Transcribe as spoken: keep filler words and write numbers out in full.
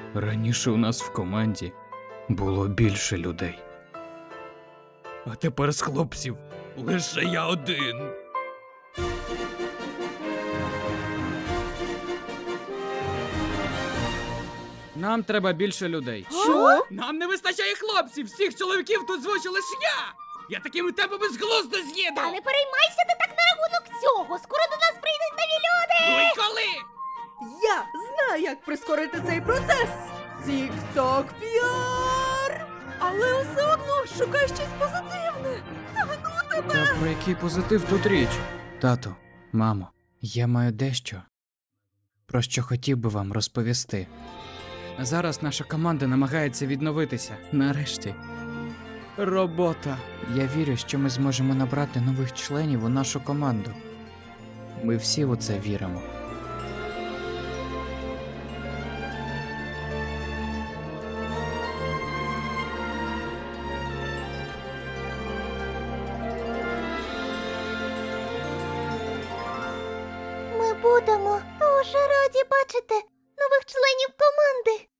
Раніше у нас в команді було більше людей. А тепер з хлопців лише я один. Нам треба більше людей. Що? Нам не вистачає хлопців! Всіх чоловіків тут звучу лише я! Я такими темпами з глузду з'їду! Та не переймайся ти так на рахунок цього. Скоро до нас прийдуть нові люди. Ну і коли? Я знаю, як прискорити цей процес. Тік-ток піар. Але все одно шукай щось позитивне. Та ну тебе. Та про який позитив тут річ? Тато, мамо, я маю дещо, про що хотів би вам розповісти. Зараз наша команда намагається відновитися. Нарешті. Робота. Я вірю, що ми зможемо набрати нових членів у нашу команду. Ми всі у це віримо. Ми будемо дуже раді бачити нових членів команди.